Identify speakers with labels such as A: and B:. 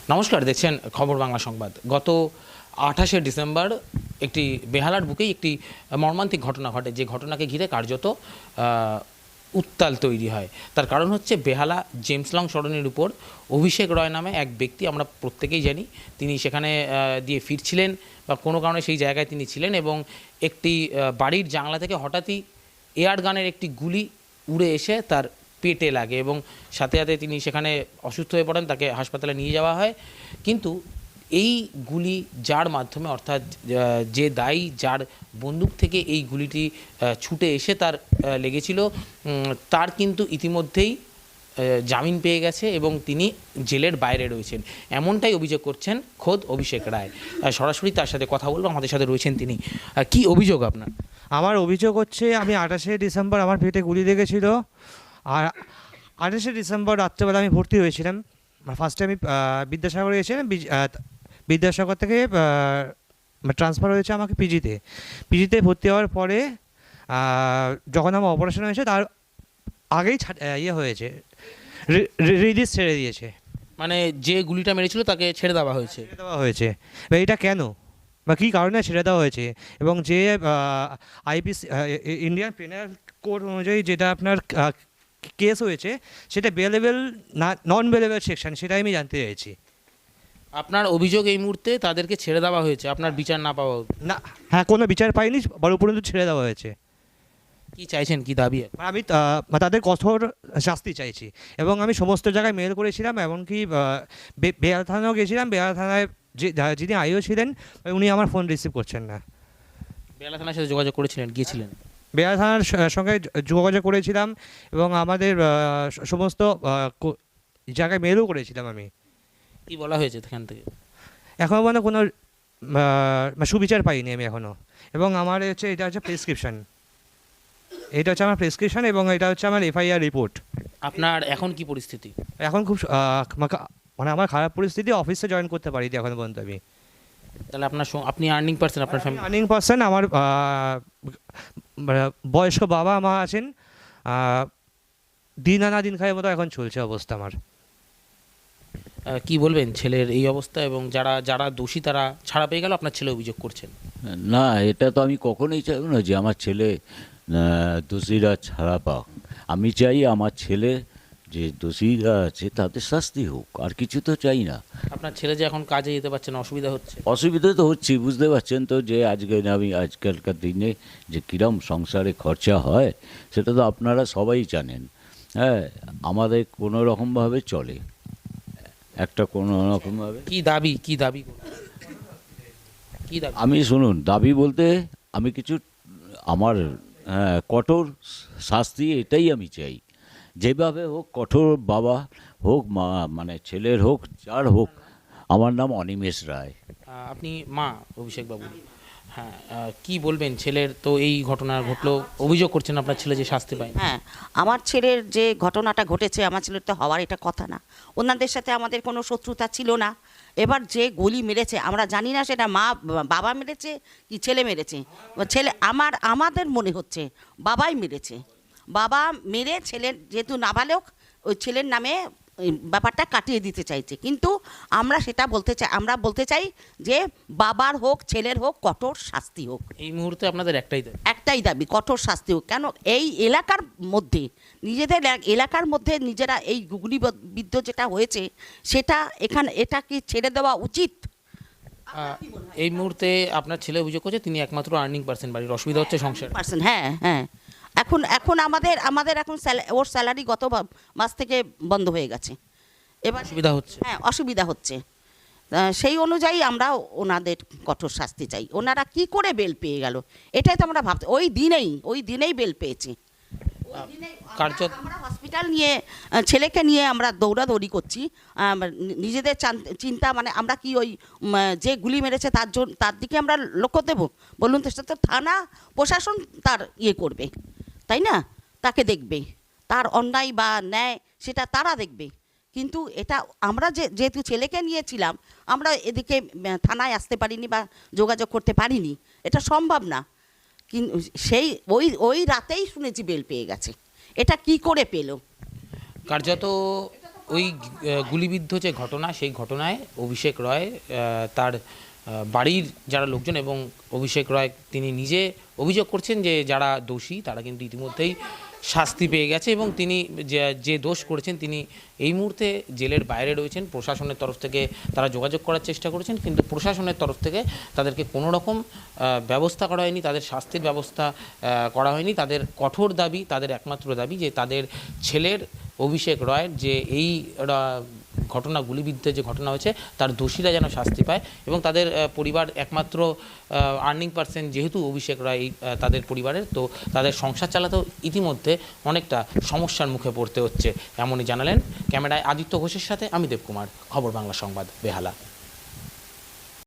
A: নমস্কার, দেখছেন খবর বাংলা সংবাদ। গত 28শে ডিসেম্বর একটি বেহালার বুকেই একটি মর্মান্তিক ঘটনা ঘটে, যে ঘটনাকে ঘিরে কার্যত উত্তাল তৈরি হয়। তার কারণ হচ্ছে বেহালা জেমস লং সরণির উপর অভিষেক রয় নামে এক ব্যক্তি, আমরা প্রত্যেকেই জানি, তিনি সেখানে দিয়ে ফিরছিলেন বা কোনো কারণে সেই জায়গায় তিনি ছিলেন এবং একটি বাড়ির জানলা থেকে হঠাৎই এয়ার গানের একটি গুলি উড়ে এসে তার পেটে লাগে এবং সাথে সাথে তিনি সেখানে অসুস্থ হয়ে পড়েন, তাকে হাসপাতালে নিয়ে যাওয়া হয়। কিন্তু এই গুলি যার মাধ্যমে, অর্থাৎ যে দায়ী, যার বন্দুক থেকে এই গুলিটি ছুটে এসে তার লেগেছিল, তার কিন্তু ইতিমধ্যেই জামিন পেয়ে গেছে এবং তিনি জেলের বাইরে রয়েছেন, এমনটাই অভিযোগ করছেন খোদ অভিষেক রায়। সরাসরি তার সাথে কথা বলবো, আমাদের সাথে রয়েছেন তিনি। কি অভিযোগ আপনার?
B: আমার অভিযোগ হচ্ছে, আমি 28শে ডিসেম্বর আমার পেটে গুলি লেগেছিল। আর 28শে ডিসেম্বর রাত্রেবেলা আমি ভর্তি হয়েছিলাম। ফার্স্টে আমি বিদ্যাসাগরে এসেছিলাম, বিদ্যাসাগর থেকে ট্রান্সফার হয়েছে আমাকে পিজিতে ভর্তি হওয়ার পরে যখন আমার অপারেশন হয়েছে তার আগেই হয়েছে, রিলিজ ছেড়ে দিয়েছে।
A: মানে যে গুলিটা মেরেছিল তাকে ছেড়ে দেওয়া হয়েছে।
B: এবার এটা কেন বা কী কারণে ছেড়ে দেওয়া হয়েছে, এবং যে আইপিসি ইন্ডিয়ান পেনাল কোড অনুযায়ী যেটা আপনার কেস হয়েছে, সেটা বেলেবল না নন বেলেবল সেকশন, সেটাই আমি জানতে চাইছি।
A: আপনার অভিযোগ এই মুহূর্তে তাদেরকে ছেড়ে দেওয়া হয়েছে, আপনার বিচার না পাওয়া?
B: না, হ্যাঁ, কোনো বিচার পাইনি, বড় উপরন্তু ছেড়ে দেওয়া হয়েছে।
A: কি চাইছেন, কি দাবি?
B: আমি তাদের কঠোর শাস্তি চাইছি, এবং আমি সমস্ত জায়গায় মেল করেছিলাম, এমনকি বেহালা থানাও গেছিলাম। বেহালা থানায় যিনি আইও ছিলেন, উনি আমার ফোন রিসিভ করছেন না।
A: বেহালা থানার সাথে যোগাযোগ করেছিলেন, গিয়েছিলেন?
B: বেহালা থানার সঙ্গে যোগাযোগ করেছিলাম এবং আমাদের সমস্ত জায়গায় মেলও করেছিলাম আমি।
A: কি বলা হয়েছে এখান থেকে?
B: এখনও মানে কোনো সুবিচার পাইনি আমি এখনও। এবং আমার হচ্ছে এটা হচ্ছে প্রেসক্রিপশন, এটা হচ্ছে আমার প্রেসক্রিপশন, এবং এটা হচ্ছে আমার এফআইআর রিপোর্ট।
A: আপনার এখন কি পরিস্থিতি?
B: এখন খুব মানে আমার খারাপ পরিস্থিতি, অফিসে জয়েন করতে পারিনি এখন পর্যন্ত আমি।
A: তাহলে আপনি আর্নিং পারসন, আপনার ফ্যামিলি
B: আর্নিং পারসন। আমার বয়স্ক বাবা মা আছেন, দিন আনা দিন খাওয়ার মতো এখন চলছে অবস্থা আমার।
A: কি বলবেন ছেলের এই অবস্থা, এবং যারা যারা দোষী তারা ছাড়া পেয়ে গেল, আপনার ছেলে অভিযোগ করছেন?
C: না, এটা তো আমি কখনোই চাইব না যে আমার ছেলে দোষীরা ছাড়া পাক। আমি চাই আমার ছেলে যে দোষীরা আছে তাদের শাস্তি হোক, আর কিছু তো চাই না।
A: আপনার ছেলে যে এখন কাজে যেতে পারছে না, অসুবিধা হচ্ছে?
C: অসুবিধা তো হচ্ছে, বুঝতে পারছেন তো, যে আজকালকার দিনে যে কিরম সংসারে খরচা হয় সেটা তো আপনারা সবাই জানেন। হ্যাঁ, আমাদের কোনো রকমভাবে চলে, একটা কোনো রকমভাবে।
A: কি দাবি?
C: আমি শুনুন, দাবি বলতে আমি কিছু আমার কঠোর শাস্তি, এটাই আমি চাই। যেভাবে হোক, কঠোর বাবা হোক, মা মানে ছেলের হোক, যার হোক। আমার নাম অনিমেষ রায়।
A: আপনি মা অভিষেক বাবু, হ্যাঁ, কি বলবেন? ছেলের তো এই ঘটনা ঘটলো, অভিযোগ করছেন আপনার ছেলে যে শাস্তি পায়।
D: হ্যাঁ, আমার ছেলের যে ঘটনাটা ঘটেছে, আমার ছেলের তো হওয়ার এটা কথা না। ওনাদের সাথে আমাদের কোনো শত্রুতা ছিল না। এবার যে গুলি মেরেছে আমরা জানি না সেটা বাবা মেরেছে কি ছেলে মেরেছে। আমাদের মনে হচ্ছে বাবাই মেরেছে। বাবা মেরে ছেলের, যেহেতু নাবালক, ওই ছেলের নামে ওই ব্যাপারটা কাটিয়ে দিতে চাইছে। কিন্তু আমরা বলতে চাই যে বাবার হোক ছেলের হোক কঠোর শাস্তি হোক।
A: এই মুহূর্তে আপনাদের
D: একটাই দাবি, কঠোর শাস্তি হোক। কেন এই এলাকার মধ্যে, নিজেদের এলাকার মধ্যে নিজেরা এই গুলিবিদ্ধ যেটা হয়েছে, সেটা এটা কি ছেড়ে দেওয়া উচিত?
A: এই মুহূর্তে আপনার ছেলে অভিযোগ করছে তিনি একমাত্র আর্নিং পারসন বাড়ির, অসুবিধা হচ্ছে সংসার।
D: হ্যাঁ হ্যাঁ, এখন আমাদের এখন ওর স্যালারি গত মাস থেকে বন্ধ হয়ে গেছে। এবার
A: অসুবিধা হচ্ছে।
D: হ্যাঁ, অসুবিধা হচ্ছে। সেই অনুযায়ী আমরা ওনাদের কঠোর শাস্তি চাই। ওনারা কি করে বেল পেয়ে গেল, এটাই তো আমরা ভাবছি। ওই দিনেই বেল পেয়েছি। আমরা হসপিটাল নিয়ে ছেলেকে নিয়ে আমরা দৌড়াদৌড়ি করছি। নিজেদের চিন্তা, মানে আমরা কি ওই যে গুলি মেরেছে তার দিকে আমরা লক্ষ্য দেব? বলুন তো, সেটা তো থানা প্রশাসন তার করবে, তাই না? তাকে দেখবে, তার অন্যায় বা ন্যায় সেটা তারা দেখবে। কিন্তু এটা আমরা যেহেতু ছেলেকে নিয়েছিলাম, আমরা এদিকে থানায় আসতে পারিনি বা যোগাযোগ করতে পারিনি, এটা সম্ভব না। কিন্তু ওই রাতেই শুনেছি বেল পেয়ে গেছে। এটা কি করে পেল?
A: কার্যত ওই গুলিবিদ্ধ যে ঘটনা, সেই ঘটনায় অভিষেক রয় তার বাড়ির যারা লোকজন এবং অভিষেক রয় তিনি নিজে অভিযোগ করছেন যে যারা দোষী তারা কিন্তু ইতিমধ্যেই শাস্তি পেয়ে গেছে এবং তিনি যে দোষ করেছেন তিনি এই মুহূর্তে জেলের বাইরে রয়েছেন। প্রশাসনের তরফ থেকে তারা যোগাযোগ করার চেষ্টা করেছেন, কিন্তু প্রশাসনের তরফ থেকে তাদেরকে কোনো রকম ব্যবস্থা করা হয়নি, তাদের শাস্তির ব্যবস্থা করা হয়নি। তাদের কঠোর দাবি, তাদের একমাত্র দাবি যে তাদের ছেলের অভিষেক রয়ের যে এই ঘটনা, গুলিবিদ্ধের যে ঘটনা হয়েছে তার দোষীরা যেন শাস্তি পায় এবং তাদের পরিবার একমাত্র আর্নিং পার্সন যেহেতু অভিষেক রায় তাদের পরিবারের, তো তাদের সংসার চালাতেও ইতিমধ্যে অনেকটা সমস্যার মুখে পড়তে হচ্ছে, এমনই জানালেন। ক্যামেরায় আদিত্য ঘোষের সাথে আমি দেবকুমার, খবর বাংলা সংবাদ, বেহালা।